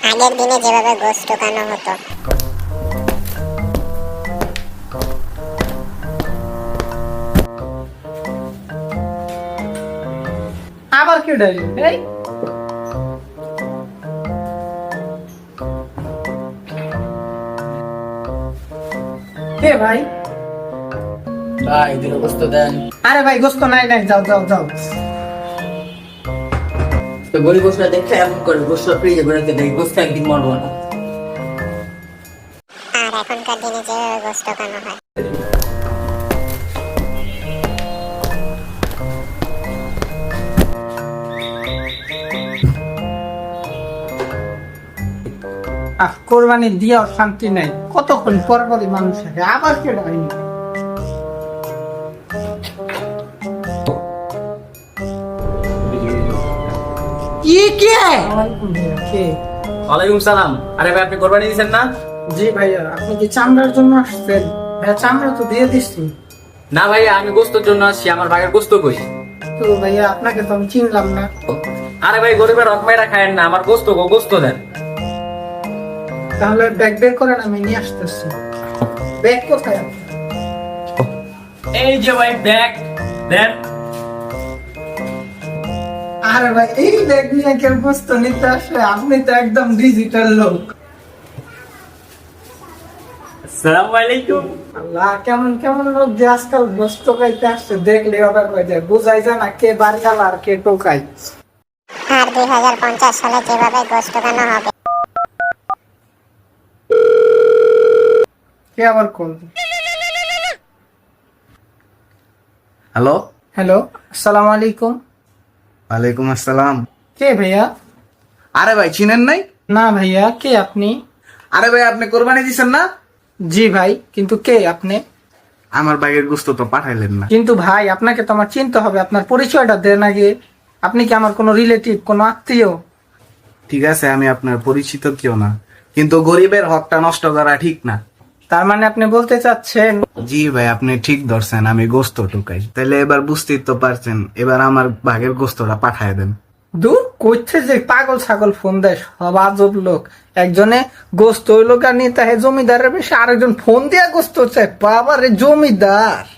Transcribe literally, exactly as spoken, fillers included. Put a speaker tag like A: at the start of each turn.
A: আগের দিনে যেভাবে গোশত টোকানো হতো।
B: আবার কে ডাইল এই কে ভাই?
C: ভাই দুটো গোস্ত দেন।
B: আরে ভাই গোস্ত নাই নাই, যাও যাও যাও।
C: তো গরিব গোস্ত দেখে এমন করে গোস্ত ফ্রিজে করে রেখে দেয়, গোস্ত একদিন মরবো না।
A: আর এখনকার দিনে যেভাবে গোশত টোকানো হয়।
B: আহ কোরবানি দিয়েও শান্তি নাই, কতক্ষণ পর পরই মানুষ থাকে। আবার কে ডাইল? কি কে? কে?
D: ওয়ালাইকুম সালাম। আরে ভাই আপনি কোরবানি দিয়েছেন না?
B: জি ভাইয়া, আপনি কি চামড়ার জন্য আসছেন? ভাইয়া চামড়া তো দিয়ে দিচ্ছি।
D: না ভাইয়া, আমি গোস্তর জন্য আসছি। আমার ভাগের গোস্ত কই?
B: তো ভাইয়া আপনাকে তো আমি চিনলাম না।
D: আরে ভাই গরিবের হক মেয়েরা খায়েন না, আমার গোস্ত গো, গোস্ত দেন।
B: তাহলে ব্যাগ বের করেন, আমি নিয়ে আসতেছি। ব্যাগ কোথায় আপনার?
D: এই যে ভাই ব্যাগ দেন।
B: আরে ভাই এই ব্যাগ নিয়ে কেউ বস্তু নিতে আসে? আপনি তো একদম ডিজিটাল লোক।
D: আসসালামু আলাইকুম।
B: আল্লাহ, কেমন কেমন লোক যে আজকাল বস্তু খাইতে আসছে, দেখলে অবাক হয়ে যায়। বোঝাই যায় না কে বারগাল আর কে টোকাই।
A: আর দুই হাজার পঞ্চাশ সালে যেভাবে গোশত টোকানো হবে।
B: কে আবার কল?
E: হ্যালো,
B: হ্যালো, আসসালামু আলাইকুম।
E: ওয়ালাইকুম আসসালাম।
B: কে ভাইয়া?
E: আরে ভাই চিনেন নাই?
B: না ভাইয়া, কে আপনি?
E: আরে ভাই আপনি কোরবানি দিছেন না?
B: জি ভাই, কিন্তু কে আপনি?
E: আমার বাইরের গোস্ত তো পাঠাইলেন না।
B: কিন্তু ভাই আপনাকে তো আমার চিনতে হবে, আপনার পরিচয়টা দেন আগে। আপনি কি আমার কোনো রিলেটিভ, কোনো আত্মীয়?
E: ঠিক আছে, আমি আপনার পরিচিত কেউ না, কিন্তু গরিবের হকটা নষ্ট করা ঠিক না।
B: তার মানে আপনি বলতে চাচ্ছেন?
E: জি ভাই, আপনি ঠিক ধরছেন, আমি গোস্ত ঢুকাই। তাহলে এবার বুঝতেই তো পারছেন, এবার আমার ভাগের গোস্তটা পাঠায় দেন।
B: দূর করছে যে পাগল ছাগল ফোন দেয়, সব আজব লোক। একজনে গোস্ত হইলো কার নিতে জমিদারের বেশি, আরেকজন ফোন দিয়া গোস্ত চায়। বাবা রে, জমিদার!